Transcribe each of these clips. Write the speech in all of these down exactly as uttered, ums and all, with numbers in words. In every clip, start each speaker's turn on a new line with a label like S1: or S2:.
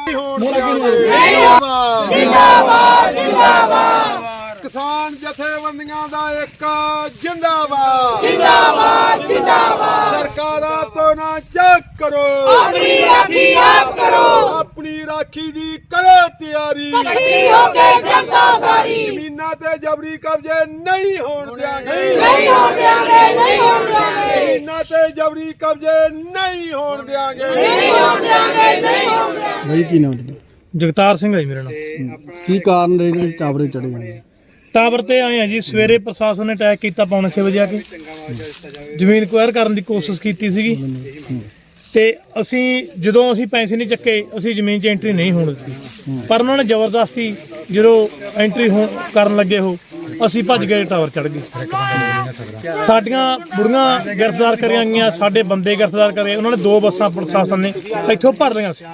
S1: जिंदाबाद जिंदाबाद किसान जथेबंदियां दा एक जिंदाबाद जिंदाबाद जिंदाबाद सरकारां तो ना चेक करो अपनी राखी आप करो अपनी राखी दी करो तैयारी इकट्ठी होके जनता सारी जमीनां ते जबरी कब्जे नहीं होण देंगे नहीं होण देंगे नहीं होण देंगे जमीनां ते जबरी कब्जे नहीं होण देंगे नहीं होण देंगे नहीं होण देंगे
S2: भाई की नाम
S3: जगतार सिंह है मेरा नाम।
S2: की कारण रहे टावरे चढ़े हैं?
S3: टावर ते आए हैं जी सवेरे प्रशासन ने अटैक किया पौने छे बजे आके ਜ਼ਮੀਨ ਕੁਐਰ ਕਰਨ ਦੀ ਕੋਸ਼ਿਸ਼ ਕੀਤੀ ਸੀਗੀ ਤੇ ਅਸੀਂ ਜਦੋਂ ਅਸੀਂ ਪੈਸੇ ਨਹੀਂ ਚੱਕੇ ਅਸੀਂ ਜ਼ਮੀਨ 'ਚ ਐਂਟਰੀ ਨਹੀਂ ਹੋਣ ਦਿੱਤੀ ਪਰ ਉਹਨਾਂ ਨੇ ਜ਼ਬਰਦਸਤੀ ਜਦੋਂ ਐਂਟਰੀ ਹੋ ਕਰਨ ਲੱਗੇ ਹੋ ਅਸੀਂ ਭੱਜ ਗਏ ਟਾਵਰ ਚੜ੍ਹ ਗਏ ਸਾਡੀਆਂ ਬੁੜੀਆਂ ਗ੍ਰਿਫਤਾਰ ਕਰੀਆਂ ਗਈਆਂ ਸਾਡੇ ਬੰਦੇ ਗ੍ਰਿਫਤਾਰ ਕਰੇ ਉਹਨਾਂ ਨੇ ਦੋ ਬੱਸਾਂ ਪ੍ਰਸ਼ਾਸਨ ਨੇ ਇੱਥੋਂ ਭਰ ਲਈਆਂ ਸੀ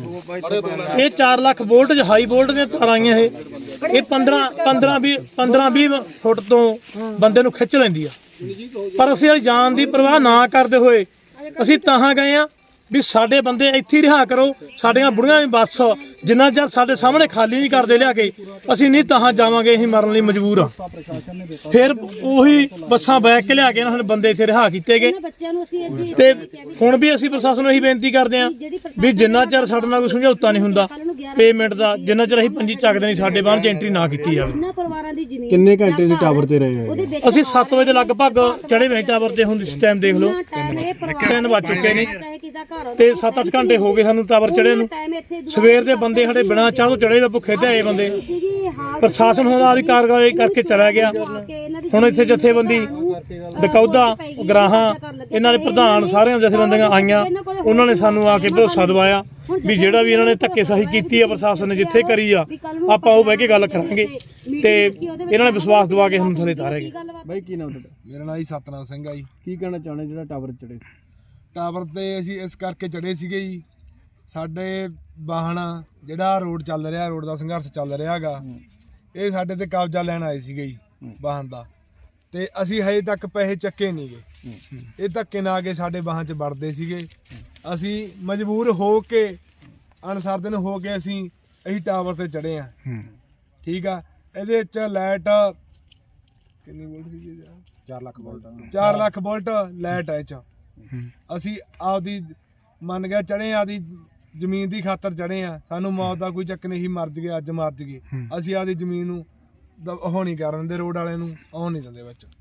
S3: ਇਹ ਚਾਰ ਲੱਖ ਵੋਲਟ ਹਾਈ ਵੋਲਟ ਦੀਆਂ ਤਾਰਾਂ ਆਈਆਂ ਇਹ ਇਹ ਪੰਦਰਾਂ ਪੰਦਰਾਂ ਵੀਹ ਪੰਦਰਾਂ ਵੀਹ ਫੁੱਟ ਤੋਂ ਬੰਦੇ ਨੂੰ ਖਿੱਚ ਲੈਂਦੀ ਆ ਪਰ ਅਸੀਂ ਜਾਨ ਦੀ ਪਰਵਾਹ ਨਾ ਕਰਦੇ ਹੋਏ ਅਸੀਂ ਤਾਂ ਗਏ ਆ ਵੀ ਸਾਡੇ ਬੰਦੇ ਇੱਥੇ ਰਿਹਾ ਕਰੋ ਸਾਡੀਆਂ ਬੁੜੀਆਂ ਵੀ ਬੱਸ ਜਿੰਨਾ ਚਿਰ ਸਾਡੇ ਸਾਹਮਣੇ ਖਾਲੀ ਨਹੀਂ ਕਰਦੇ ਲਿਆ ਕੇ ਅਸੀਂ ਨਹੀਂ ਤਾਂ ਜਾਵਾਂਗੇ ਅਸੀਂ ਮਰਨ ਲਈ ਮਜਬੂਰ ਆ ਫਿਰ ਉਹੀ ਬੱਸਾਂ ਬੈਕ ਕੇ ਲਿਆ ਕੇ ਇਹਨਾਂ ਨੇ ਬੰਦੇ ਇੱਥੇ ਰਿਹਾ ਕੀਤੇ ਗਏ ਤੇ ਹੁਣ ਵੀ ਅਸੀਂ ਪ੍ਰਸ਼ਾਸਨ ਨੂੰ ਇਹੀ ਬੇਨਤੀ ਕਰਦੇ ਆ ਵੀ ਜਿੰਨਾ ਚਿਰ ਸਾਡੇ ਨਾਲ ਕੋਈ ਸਮਝੌਤਾ ਨਹੀਂ ਹੁੰਦਾ ਪੇਮੈਂਟ ਦਾ ਜਿੰਨਾ ਚਿਰ ਅਸੀਂ ਪੰਜੀ ਚੱਕਦੇ ਨਹੀਂ ਸਾਡੇ ਬਾਹਰ ਚ ਐਂਟਰੀ ਨਾ ਕੀਤੀ ਜਾਵੇ।
S2: ਕਿੰਨੇ ਘੰਟੇ ਦੇ ਟਾਵਰ ਤੇ ਰਹੇ ਆ?
S3: ਅਸੀਂ ਸੱਤ ਵਜੇ ਲਗਭਗ ਚੜੇ ਹੋਏ ਟਾਵਰ ਤੇ ਹੁਣ ਇਸ ਟਾਈਮ ਦੇਖ ਲਓ ਤਿੰਨ ਵੱਜ ਚੁੱਕੇ ਨੇ ਤੇ ਸੱਤ ਅੱਠ ਘੰਟੇ ਹੋ ਗਏ ਸਾਨੂੰ ਟਾਵਰ ਚੜੇ ਨੂੰ ਸਵੇਰ ਦੇ ਬੰਦੇ ਸਾਡੇ ਬਿਨਾਂ ਚਾਹ ਤੋਂ ਚੜੇ ਭੁੱਖੇ ਤੇ ਆਏ ਬੰਦੇ ਪ੍ਰਸ਼ਾਸਨ ਹੁਣ ਆਪਦੀ ਕਾਰਵਾਈ ਕਰਕੇ ਚਲਾ ਗਿਆ ਹੁਣ ਇੱਥੇ ਜਥੇਬੰਦੀ ਡਕੌਦਾ ਗਰਾਹਾਂ ਇਹਨਾਂ ਦੇ ਪ੍ਰਧਾਨ ਸਾਰਿਆਂ ਜਥੇਬੰਦੀਆਂ ਆਈਆਂ ਉਹਨਾਂ ਨੇ ਸਾਨੂੰ ਆ ਕੇ ਭਰੋਸਾ ਦਵਾਇਆ ਵੀ ਜਿਹੜਾ ਵੀ ਇਹਨਾਂ ਨੇ ਧੱਕੇਸ਼ਾਹੀ ਕੀਤੀ ਆ ਪ੍ਰਸ਼ਾਸਨ ਨੇ ਜਿੱਥੇ ਕਰੀ ਆ ਆਪਾਂ ਉਹ ਬਹਿ ਕੇ ਗੱਲ ਕਰਾਂਗੇ ਤੇ ਇਹਨਾਂ ਨੇ ਵਿਸ਼ਵਾਸ ਦਵਾ ਕੇ ਹੁਣ ਥੱਲੇ ਤਾਰੇਗੇ।
S2: ਬਾਈ ਕੀ ਨਾਮ ਤੁਹਾਡਾ?
S1: ਮੇਰਾ ਨਾਮ ਜੀ ਸਤਨਾਮ ਸਿੰਘ ਆ ਜੀ।
S2: ਕੀ ਕਹਿਣਾ ਚਾਹੁੰਦੇ ਜਿਹੜਾ ਟਾਵਰ ਚੜੇ ਸੀ?
S1: ਟਾਵਰ ਤੇ ਅਸੀਂ ਇਸ ਕਰਕੇ ਚੜੇ ਸੀਗੇ ਜੀ ਸਾਡੇ ਵਾਹਨ ਜਿਹੜਾ ਰੋਡ ਚੱਲ ਰਿਹਾ ਰੋਡ ਦਾ ਸੰਘਰਸ਼ ਚੱਲ ਰਿਹਾ ਹੈਗਾ ਇਹ ਸਾਡੇ ਤੇ ਕਬਜ਼ਾ ਲੈਣ ਆਏ ਸੀਗੇ ਜੀ ਵਾਹਨ ਦਾ ਤੇ ਅਸੀਂ ਹਜੇ ਤੱਕ ਪੈਸੇ ਚੱਕੇ ਨਹੀਂ ਗਏ ਇਹ ਧੱਕੇ ਨਾਲ ਆ ਕੇ ਸਾਡੇ ਵਾਹਨ 'ਚ ਵੜਦੇ ਸੀਗੇ ਅਸੀਂ ਮਜਬੂਰ ਹੋ ਕੇ ਅਨਸਰ ਦਿਨ ਹੋ ਕੇ ਅਸੀਂ ਅਸੀਂ ਟਾਵਰ ਤੇ ਚੜੇ ਆ ਠੀਕ ਆ ਇਹਦੇ ਵਿੱਚ ਲਾਈਟ ਕਿੰਨੀ ਵੋਲਟ ਸੀ ਚਾਰ ਲੱਖ ਵੋਲਟ ਚਾਰ ਲੱਖ ਵੋਲਟ ਲਾਈਟ ਹੈ ਇਹ 'ਚ ਅਸੀਂ ਆਪਦੀ ਮੰਨ ਗਿਆ ਚੜੇ ਆ ਦੀ ਜ਼ਮੀਨ ਦੀ ਖਾਤਰ ਚੜੇ ਆ ਸਾਨੂੰ ਮੌਤ ਦਾ ਕੋਈ ਚੱਕ ਨਹੀਂ ਮਰ ਜਗੇ ਅੱਜ ਮਰ ਜਗੇ ਅਸੀਂ ਆਪਦੀ ਜ਼ਮੀਨ ਨੂੰ ਉਹ ਨਹੀਂ ਕਰਨ ਦਿੰਦੇ ਰੋਡ ਵਾਲਿਆਂ ਨੂੰ ਆਉਣ ਨਹੀਂ ਦਿੰਦੇ ਵਿੱਚ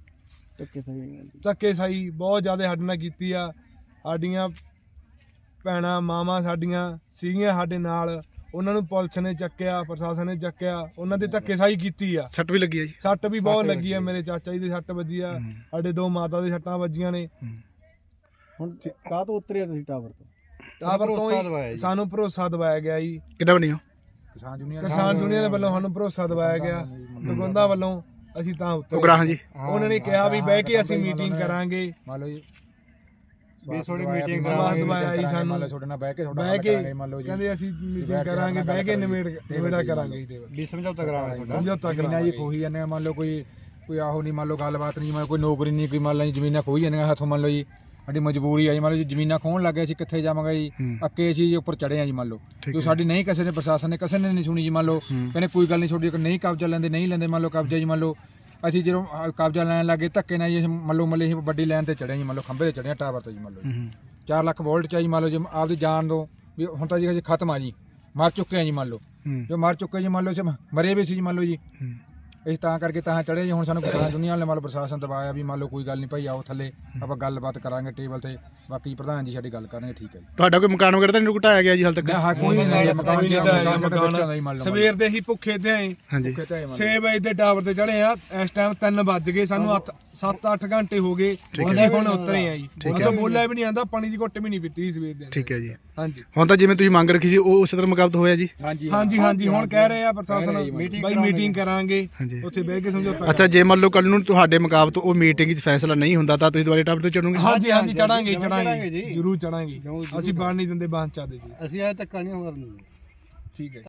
S1: ਧੱਕੇ ਸਾਈ ਬਹੁਤ ਜ਼ਿਆਦਾ ਸਾਡੇ ਨਾਲ ਕੀਤੀ ਆ ਸਾਡੀਆਂ ਭੈਣਾਂ ਮਾਵਾਂ ਸਾਡੀਆਂ ਸੀਗੀਆਂ ਸਾਡੇ ਨਾਲ ਉਹਨਾਂ ਨੂੰ ਪੁਲਿਸ ਨੇ ਚੱਕਿਆ ਪ੍ਰਸ਼ਾਸਨ ਨੇ ਚੱਕਿਆ ਉਹਨਾਂ ਦੀ ਧੱਕੇਸ਼ਾਹੀ ਕੀਤੀ ਆ
S2: ਸੱਟ ਵੀ ਲੱਗੀ ਆ ਜੀ?
S1: ਸੱਟ ਵੀ ਬਹੁਤ ਲੱਗੀ ਆ ਮੇਰੇ ਚਾਚਾ ਜੀ ਦੇ ਸੱਟ ਵੱਜੀ ਆ ਸਾਡੇ ਦੋ ਮਾਤਾ ਦੇ ਸੱਟਾਂ ਵੱਜੀਆਂ ਨੇ।
S2: ਹੁਣ ਕਾਹ ਤੋਂ ਉਤਰਿਆ ਤੁਸੀਂ ਟਾਵਰ ਤੋਂ?
S1: ਟਾਵਰ ਤੋਂ ਸਾਨੂੰ ਭਰੋਸਾ ਦਵਾਇਆ ਗਿਆ ਜੀ
S2: ਕਿੱਦਾਂ ਬਣੀ ਹੋ?
S1: ਕਿਸਾਨ ਯੂਨੀਅਨ ਕਿਸਾਨ ਯੂਨੀਅਨ ਦੇ ਵੱਲੋਂ ਸਾਨੂੰ ਭਰੋਸਾ ਦਵਾਇਆ ਗਿਆ ਨਗੋਂਦਾ ਵੱਲੋਂ ਅਸੀਂ ਤਾਂ
S2: ਉਗਰਾਹਾਂ ਜੀ
S1: ਉਹਨਾਂ ਨੇ ਕਿਹਾ ਵੀ ਬਹਿ ਕੇ ਅਸੀਂ ਮੀਟਿੰਗ ਕਰਾਂਗੇ ਮੰਨ ਲਓ ਜੀ ਵੀ ਥੋੜੀ ਮੀਟਿੰਗ ਕਰਾਂਗੇ ਦਵਾਇਆ ਜੀ ਸਾਨੂੰ ਤੁਹਾਡੇ ਨਾਲ ਬਹਿ ਕੇ ਤੁਹਾਡਾ ਹੱਲ ਕਰਾਂਗੇ ਮੰਨ ਲਓ ਜੀ ਕਹਿੰਦੇ ਅਸੀਂ ਮੀਟਿੰਗ ਕਰਾਂਗੇ ਬਹਿ ਕੇ ਨਿਬੇੜ ਨਿਬੇੜਾ ਕਰਾਂਗੇ ਜੀ ਵੀ ਸਮਝੌਤਾ ਕਰਾਂਗੇ ਸਮਝੌਤਾ ਕਰਾਂਗੇ ਜੀ ਖੋਹੀ ਜਾਂਦੇ ਮੰਨ ਲਓ ਕੋਈ ਕੋਈ ਆਹੋ ਨਹੀਂ ਮੰਨ ਲਓ ਗੱਲਬਾਤ ਨਹੀਂ ਮੰਨ ਕੋਈ ਨੌਕਰੀ ਨਹੀਂ ਕੋਈ ਮੰਨ ਲਓ ਜ਼ਮੀਨਾਂ ਖੋਹੀ ਜਾਂਦੀਆਂ ਹੱਥੋਂ ਮੰਨ ਲਓ ਜੀ ਸਾਡੀ ਮਜਬੂਰੀ ਆ ਜੀ ਮੰਨ ਲਓ ਜੀ ਜ਼ਮੀਨਾਂ ਖੋਹਣ ਲੱਗੇ ਅਸੀਂ ਕਿੱਥੇ ਜਾਵਾਂਗੇ ਜੀ ਅੱਕੇ ਅਸੀਂ ਉੱਪਰ ਚੜੇ ਆ ਜੀ ਮੰਨ ਲਓ ਜੋ ਸਾਡੀ ਨਹੀਂ ਕਿਸੇ ਨੇ ਪ੍ਰਸ਼ਾਸਨ ਨੇ ਕਿਸੇ ਨੇ ਨਹੀਂ ਸੁਣੀ ਜੀ ਮੰਨ ਲਓ ਕਹਿੰਦੇ ਕੋਈ ਗੱਲ ਨਹੀਂ ਛੋਟੀ ਨਹੀਂ ਕਬਜ਼ਾ ਲੈਂਦੇ ਨਹੀਂ ਲੈਂਦੇ ਮੰਨ ਲਓ ਕਬਜ਼ਾ ਜੀ ਮੰਨ ਲਓ ਅਸੀਂ ਜਦੋਂ ਕਬਜ਼ਾ ਲੈਣ ਲੱਗੇ ਧੱਕੇ ਨਾਲ ਜੀ ਮੰਨ ਲਓ ਮੱਲੇ ਅਸੀਂ ਵੱਡੀ ਲਾਈਨ ਤੇ ਚੜੇ ਜੀ ਮੰਨ ਲਓ ਖੰਭੇ ਤੇ ਚੜੇ ਟਾਵਰ ਤੇ ਜੀ ਮੰਨ ਲਓ ਚਾਰ ਲੱਖ ਵੋਲਟ ਚ ਜੀ ਮੰਨ ਲਓ ਜੀ ਆਪਦੀ ਜਾਨ ਦੋ ਵੀ ਹੁਣ ਤਾਂ ਜੀ ਅਸੀਂ ਖਤਮ ਆ ਜੀ ਮਰ ਚੁੱਕੇ ਆ ਜੀ ਮੰਨ ਲਓ ਜੋ ਮਰ ਚੁੱਕੇ ਜੀ ਮੰਨ ਲਓ ਮਰੇ ਵੀ ਸੀ ਜੀ ਮੰਨ ਲਓ ਜੀ ਅਸੀਂ ਤਾਂ ਕਰਕੇ ਤਾਂ ਚੜੇ ਜੀ ਹੁਣ ਸਾਨੂੰ ਕਿਸਾਨ ਦੁਨੀਆ ਵਾਲੇ ਮੰਨ ਲਓ ਪ੍ਰਸ਼ਾਸਨ ਦਬਾਇਆ ਵੀ ਮੰਨ ਲਓ ਕੋਈ ਗੱਲ ਨਹੀਂ ਭਾਈ ਆਓ ਥੱਲੇ ਆਪਾਂ ਗੱਲਬਾਤ ਕਰਾਂਗੇ ਟੇਬਲ ਤੇ ਬਾਕੀ ਪ੍ਰਧਾਨ ਜੀ ਸਾਡੀ ਗੱਲ ਕਰਨਗੇ ਠੀਕ ਹੈ ਜੀ।
S2: ਤੁਹਾਡਾ ਕੋਈ ਮਕਾਨ ਵਗੈਰਾ ਤਾਂ ਨਹੀਂ ਢਾਇਆ ਗਿਆ ਜੀ ਹਾਲ ਤੱਕ?
S1: ਹਾਂ ਕੋਈ ਨਹੀਂ ਮਕਾਨ ਸਵੇਰ ਦੇ ਹੀ ਭੁੱਖੇ ਤੇ ਆਏ ਛੇ ਵਜੇ ਦੇ ਟਾਵਰ ਤੇ ਚੜੇ ਆ ਇਸ ਟਾਈਮ ਤਿੰਨ ਵੱਜ ਗਏ ਸਾਨੂੰ ਸੱਤ ਅੱਠ ਘੰਟੇ ਹੋ ਗਏ ਅਸੀਂ ਹੁਣ ਉਤਰੇ ਆ ਜੀ ਹੁਣ ਤਾਂ ਬੋਲਿਆ ਵੀ ਨਹੀਂ ਆਂਦਾ ਪਾਣੀ ਦੀ ਘੁੱਟ ਵੀ ਨਹੀਂ ਪੀਤੀ ਸਵੇਰ ਦੇ।
S2: ਠੀਕ ਹੈ ਜੀ
S1: ਹਾਂਜੀ
S2: ਹੁਣ ਤਾਂ ਜਿਵੇਂ ਤੁਸੀਂ ਮੰਗ ਰੱਖੀ ਸੀ ਉਹ ਉਸੇ ਤਰ੍ਹਾਂ ਮੁਕਾਬਤ ਹੋਇਆ ਜੀ?
S1: ਹਾਂਜੀ ਹਾਂਜੀ ਹਾਂਜੀ ਹੁਣ ਕਹਿ ਰਹੇ ਆ ਪ੍ਰਸ਼ਾਸਨ ਬਾਈ ਮੀਟਿੰਗ ਕਰਾਂਗੇ ਉੱਥੇ ਬਹਿ ਕੇ ਸਮਝੌਤਾ।
S2: ਅੱਛਾ ਜੇ ਮੰਨ ਲਓ ਕੱਲ ਨੂੰ ਤੁਹਾਡੇ ਮੁਕਾਬਤ ਉਹ ਮੀਟਿੰਗ 'ਚ ਫੈਸਲਾ ਨਹੀਂ ਹੁੰਦਾ ਤਾਂ ਤੁਸੀਂ ਦੁਬਾਰਾ ਟਾਵਰ ਤੇ ਚੜੋਗੇ?
S1: ਹਾਂਜੀ ਹਾਂਜੀ ਚੜਾਂਗੇ ਚੜਾਂਗੇ ਜ਼ਰੂਰ ਚੜਾਂਗੇ ਅਸੀਂ ਬਾਹਰ ਨਹੀਂ ਦਿੰਦੇ ਬਾਹਰ ਚਾਦੇ ਜੀ
S4: ਅਸੀਂ ਇਹ ਧੱਕਾ ਨਹੀਂ ਕਰਨ ਦਿੰਦੇ।
S1: ਠੀਕ ਹੈ।